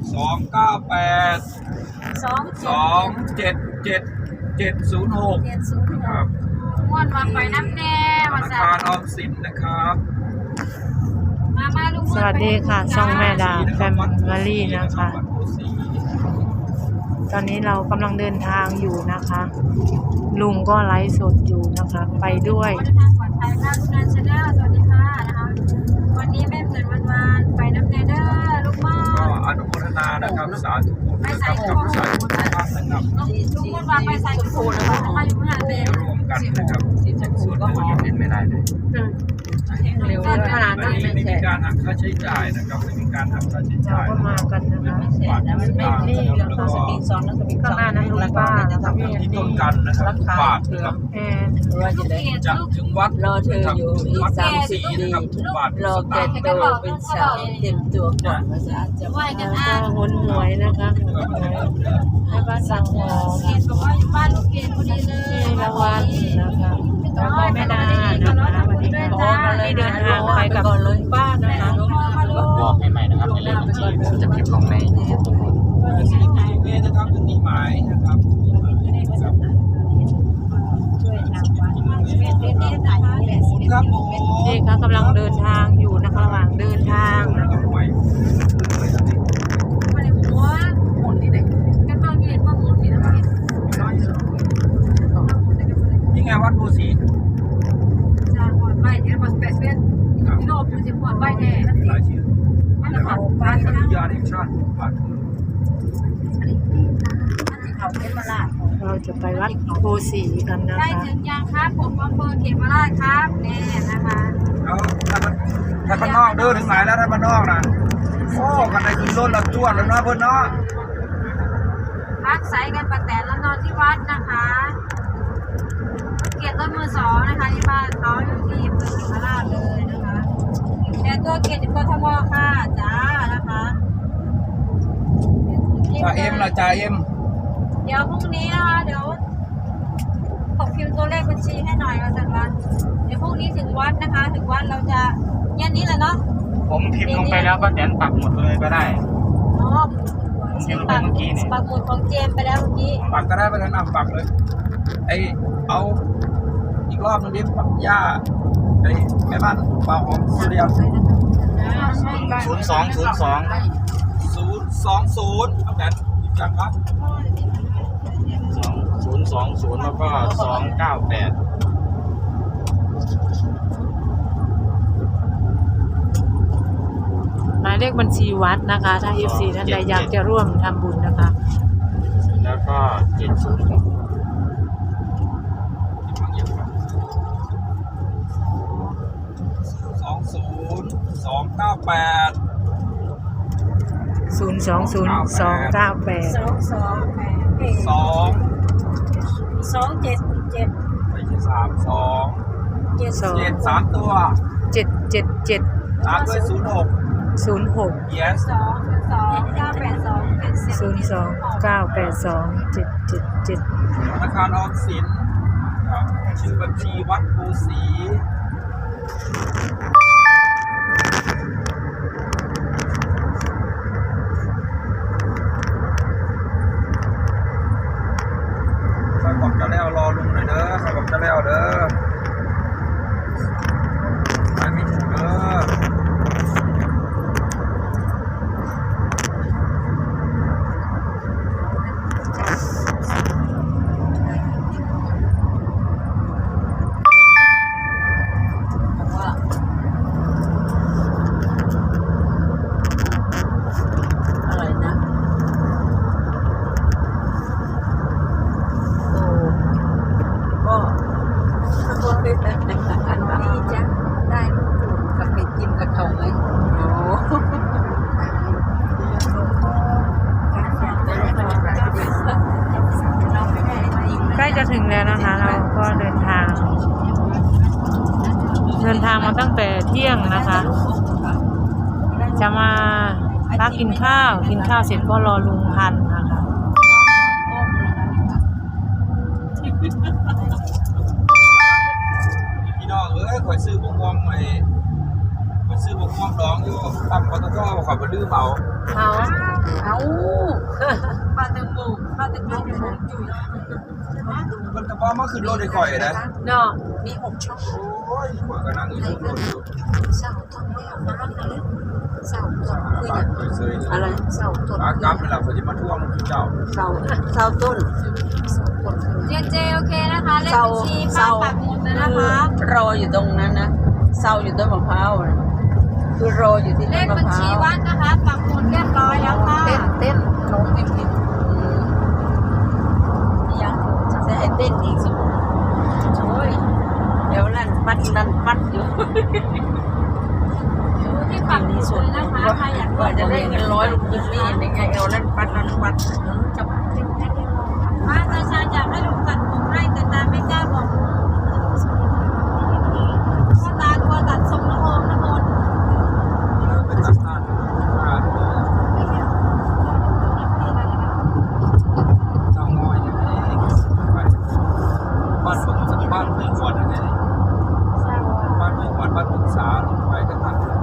298 277 706ครับม้วนมาไปน้ำแน่ธนาคารออมสินนะครับมาลุงสวัสดีค่ะช่องแม่ดาแฟมิลี่นะคะตอนนี้เรากำลังเดินทางอยู่นะคะ ลุงก็ไลฟ์สดอยู่นะคะไปด้วยเดินทางปลอดภัยค่ะลุงนันชาแนลสวัสดีค่ะนะคะวันนี้แม่เพื่อนวันไปน้ำแน่เด้อลูกม่อก็อนุโมทนานะครับสาธุไปใส่กับสาธุนะครับลุงม่อนไปใส่กับโผล่นะคะมาอยู่งานเลยรวมกันนะครับส่วนตัวยังเล่นไม่ได้เลยเร็วขนาดนั้นไม่มีการหักค่าใช้จ่ายนะครับไม่มีการหักค่าใช้จ่ายก็มากันนะคะฝากติดตามนะครับแล้วก็ข้างหน้านั้นลุงป้าที่ต้นกันนะครับฝากนะครับจากถึงวัดรอเธออยู่อีก 34นะครับทุกบาทรอแกโตเป็นสาวเต็มตัวก่อนภาษาจะไหวกันอ่ะหนหวยนะคะให้บ้านสั่งหอมเกณฑ์บอกว่าบ้านลูกเกณฑ์พอดีเลยละวันนะคะแล้วก็แม่ดานะคะวันนี้ขอที่เดินทางไปกับลุงป้านะคะบอกให้ใหม่นะครับในเลขบัญชีผมจะเก็บลงในทุกคนนี่นะครับถึงที่หมายนะครับครับผมนี่ค่ะกำลังเดินทางอยู่นะคะระหว่างเดินทางนะคะมาในหัวหมุนนี่ไหนกันบ้างเรียนบ้างหมุนนี่นะนี่ไงวัดภูสีจะหัวใบเนี่ยมาสเปซเว่นที่โลกมันจะหัวใบแน่หลายชื่อมันจะหัวใบพันะทยาแห่งชาติบัตรเขาเขมราชเราจะไปวัดโพสีกันนะได้คะถึงยังครับผมอำเภอเขมราชครับแน่นะคะแล้วถ้าบ้านนอกเดินถึงไหนแล้วถ้าบ้านนอกนะโอ้กันในคืนรถละจวดแล้วนะเพื่อนเนาะพักใส่กันประแตนแล้วนอนที่วัดนะคะเกียรติรถมือสองนะคะที่บ้านเขาอยู่ที่อำเภอเขมราชเลยนะคะแต่ตัวเกียรติกทมค่ะจ้านะคะจ่าเอ็มละจ่าเอ็มเดี๋ยวพรุ่งนี้นะคะเดี๋ยวตกพิมพ์ตัวเลขบัญชีให้หน่อยอาจารย์วัดเดี๋ยวพรุ่งนี้ถึงวัดนะคะถึงวัดเราจะเย็นนี้แหละเนาะผมพิมพ์ลงไปแล้วก็แตนปักหมดเลยก็ได้อ๋อผมพิมพ์ลงไปเมื่อกี้นี่ปักหมุดของเจมไปแล้วเมื่อกี้ปักก็ได้ไปแล้วนำปักเลยไอเอาอีกรอบนึงดิปักย่าไอแม่บ้านเปล่าของสุริยัน 0202 020เอาแต่ยังครับ 2020แล้วก็298 หมายเลขบัญชีวัดนะคะถ้า FC ท่านใดอยากจะร่วมทำบุญนะคะแล้วก็706 20298 228 ไม่ใช่32 7 3ตัว 777 ตามด้วย06 yes 02-982-777 ธนาคารออมสินครับชื่อบัญชีวัดภูสีใครบอกจะแล้วรอลุงหน่อยเด้อใครบอกจะแล้วเด้อใครไม่ถูกเด้ออะไรนะ ก็ดีจ้ะได้ลูกกับไปกินกับเขาไหมโอ้ใกล้จะถึงแล้วนะคะเราก็เดินทางมาตั้งแต่เที่ยงนะคะ จะมาพักกินข้าวเสร็จก็รอลุงพันธุ์นะคะพี่น้องข่อยซื้อบงวงใหม่ข่อยซื้อบงวงดองอยู่ตั้งปตทข่อยไปลื้อเมาเอาเอาปลาตึงบุกปลาตึงบุกอยู่จุยมันกระเพาะมาขึ้นรถได้ก่อยนะเนาะมี6 ช่องโอ้ยข่อยก็นั่งอยู่บนรถอยู่เสาต้นไม่เอาน้ำเลยเสาต้นคือปากเคยซื้ออะไรเสาต้นปากกลับเวลาเขาจะมาท่วงเจ้าเสาต้นเจโอเคนะคะเลขบัญชีป้าปักหมุดเลยนะคะรออยู่ตรงนั้นนะเสาอยู่ต้นมะพร้าวนะคือรออยู่ที่เลต้นขมะบัญพร้าชีววัดนะคะปักหมุดเรียบร้อยแล้วค่ะเต้นน้องพิมพ์ยังจะให้เต้นอีกสิโอ้ยเดี๋ยวลั่นปัดอยู่ดูที่ปักหมุดเลยนะคะใครอยากกว่าจะได้เงิน100ลูกยิงนี่ยังไงเอาลั่นปัดจะป้าตาชาอยากให้ลุงตัดผมให้แต่ตาไม่กล้าบอกเพราะตากลัวตัดทรงน้ำโอมน้ำมนต์เป็นตัดหน้าเจ้าง้อยอย่างนี้ไปบ้านเมืองสักบ้านเมืองขวดยังไงบ้านเมืองขวดบ้านเมืองสาลงไปก็ตัด